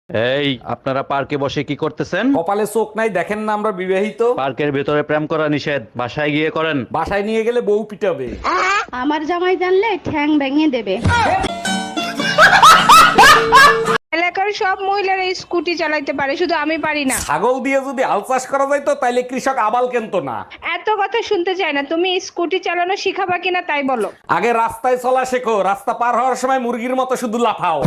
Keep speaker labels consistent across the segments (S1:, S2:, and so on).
S1: এই আপনারা পার্কে বসে কি করতেছেন?
S2: কপালে চোখ নাই দেখেন না আমরা বিবাহিত?
S1: পার্কের ভেতরে প্রেম করা নিষেধ, বাসায় গিয়ে করেন।
S2: বাসায় নিয়ে গেলে বউ পিটাবে।
S3: আমার জামাই জানলে ঠ্যাং ভেঙে দেবে।
S4: এলাকার সব মহিলারা স্কুটি চালাইতে পারে, শুধু আমি পারি না।
S2: ছাগল দিয়ে যদি হাল চাষ করা যাইতো তাইলে কৃষক আবাল কেনতো না।
S4: এত কথা শুনতে চাই না, তুমি স্কুটি চালানো শিখাবা কিনা তাই বলো।
S2: আগে রাস্তায় চলা শেখো, রাস্তা পার হওয়ার সময় মুরগির মতো শুধু লাফাও।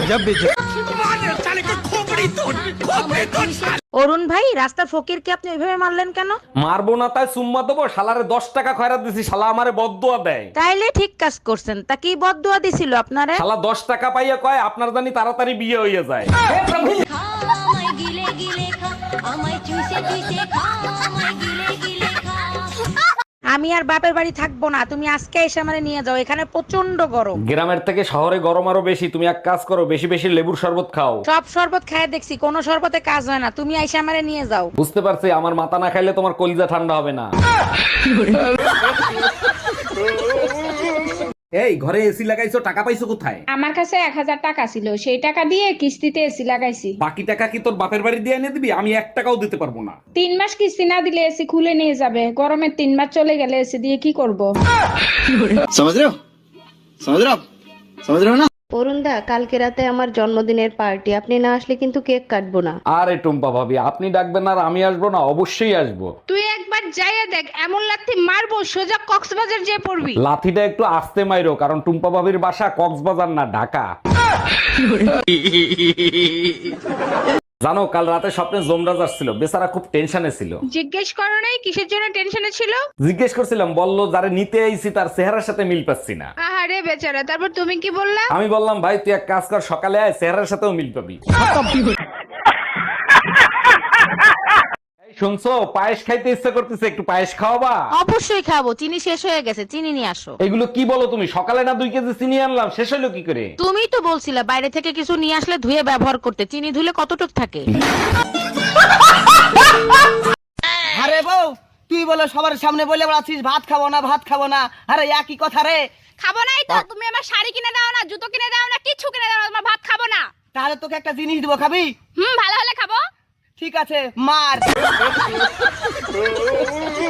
S5: অরুণ ভাই, রাস্তা ফকিরকে আপনি ওইভাবে মারলেন কেন?
S2: মারবো না তাই চুম্মা দেবো? শালারে 10 টাকা খয়রাত দিছি, শালা আমারে বদদুয়া দেয়।
S5: তাইলে ঠিক কাজ করছেন। তা কি বদদুয়া দিছিল আপনারে?
S2: শালা 10 টাকা পাইয়া কয় আপনার জানি তাড়াতাড়ি বিয়ে হইয়া যায়।
S6: আমায় গিলে গিলে খা, আমায় চুষে চুষে খা, আমায় গিলে গিলে খা।
S5: আমি আর বাপের বাড়ি থাকবো না, তুমি আজকে এসে আমারে নিয়ে যাও, এখানে প্রচন্ড গরম।
S2: গ্রামের থেকে শহরে গরম আরো বেশি। তুমি এক কাজ করো, বেশি বেশি লেবুর শরবত খাও।
S5: সব শরবত খায় দেখছি, কোনো শরবতে কাজ হয় না, তুমি এসে আমারে নিয়ে যাও।
S2: বুঝতে পারছি, আমার মাথা না খাইলে তোমার কলিজা ঠান্ডা হবে না। এই ঘরে এসি লাগাইছো, টাকা পাইছো কোথায়?
S4: আমার কাছে 1000 টাকা ছিল, সেই টাকা দিয়ে কিস্তিতে এসি লাগাইছি।
S2: বাকি টাকা কি তোর বাপের বাড়ি দিয়ে এনে দিবি? আমি 1 টাকাও দিতে পারবো না।
S4: 3 মাস কিস্তি না দিলে এসি খুলে নিয়ে যাবে। গরমের 3 মাস চলে গেলে এসি দিয়ে কি করব?
S7: समझ रहे हो समझ रहे हो आप समझ रहे हो ना।
S3: অরুণ দা, কালকে রাতে আমার জন্মদিনের পার্টি, আপনি না আসলে কিন্তু কেক কাটবো না।
S2: আরে টুম্পা ভাবি, আপনি ডাকবেন আর আমি আসবো না? অবশ্যই আসবো।
S4: তুই একবার যাইয়া দেখ, এমন লাথি মারবো সোজা কক্সবাজার যেয়ে পড়বি।
S2: লাথিটা একটু আস্তে মাইরো, কারণ টুম্পা ভাবির বাসা কক্সবাজার না, ঢাকা। জানো, কাল রাতে স্বপ্নে জমরাজ আসছিল, বেচারা খুব টেনশনে ছিল।
S4: জিজ্ঞেস করো নাই কিসের জন্য টেনশনে ছিল?
S2: জিজ্ঞেস করছিলাম, বললো যারে নিতে আইছি তার চেহারার সাথে মিল পাচ্ছি না।
S4: আহারে বেচারা, তারপর তুমি কি বললা?
S2: আমি বললাম, ভাই তুই এক কাজ কর, সকালে আয়, চেহারার সাথেও মিল পাবি। এই শুনছো, পায়েস খাইতে ইচ্ছা করতেছে, একটু পায়েস খাওয়াবা?
S5: অবশ্যই খাবো, চিনি শেষ হয়ে গেছে, চিনি নিয়ে আসো।
S2: এগুলো কি বলো তুমি? সকালে না 2 কেজি চিনি আনলাম, শেষ হলো কি করে?
S5: তুমিই তো বলছিলে বাইরে থেকে কিছু নিয়ে আসলে ধুয়ে ব্যবহার করতে, চিনি ধুলে কতটুক থাকে।
S8: আরে বউ, তুই বলে সবার সামনে বলে বেড়াচ্ছিস ভাত খাবো না ভাত খাবো না। আরে একই কথা রে।
S4: খাবো নাই তো? তুমি আমার শাড়ি কিনে দাও না, জুতো কিনে দাও না, কিচ্ছু কিনে দাও না, তোমার ভাত খাবো না।
S8: তাহলে তোকে একটা জিনিস দিব, খাবি?
S4: ভালো হলে খাবো।
S8: ঠিক আছে, মার।